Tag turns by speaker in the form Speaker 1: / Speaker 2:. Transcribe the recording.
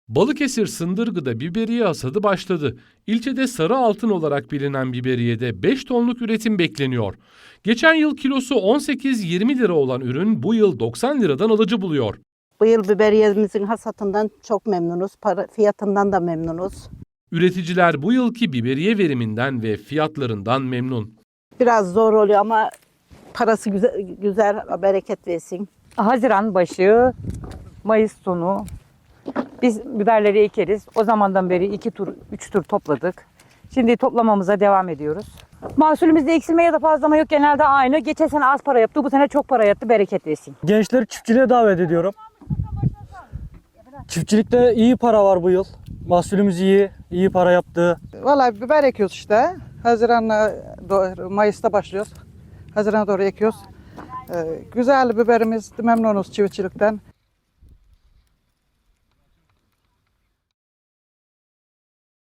Speaker 1: Balıkesir Sındırgı'da biberiye hasadı başladı. İlçede sarı altın olarak bilinen biberiyede 5 tonluk üretim bekleniyor. Geçen yıl kilosu 18-20 lira olan ürün bu yıl 90 liradan alıcı buluyor.
Speaker 2: Bu yıl biberiyemizin hasatından çok memnunuz. Fiyatından da memnunuz.
Speaker 1: Üreticiler bu yılki biberiye veriminden ve fiyatlarından memnun.
Speaker 2: Biraz zor oluyor ama parası güzel, bereket versin.
Speaker 3: Haziran başı, Mayıs sonu biz biberleri ekeriz. O zamandan beri 3 tur topladık. Şimdi toplamamıza devam ediyoruz. Mahsulümüzde eksilme ya da fazlama yok, genelde aynı. Geçen sene az para yaptı, bu sene çok para yaptı, bereket versin.
Speaker 4: Gençleri çiftçiliğe davet ediyorum. Çiftçilikte iyi para var bu yıl. Mahsulümüz iyi para yaptı.
Speaker 5: Vallahi biber ekiyoruz işte. Haziran'la Mayıs'ta başlıyoruz. Haziran'a doğru ekiyoruz. Güzel biberimiz, memnunuz çiftçilikten.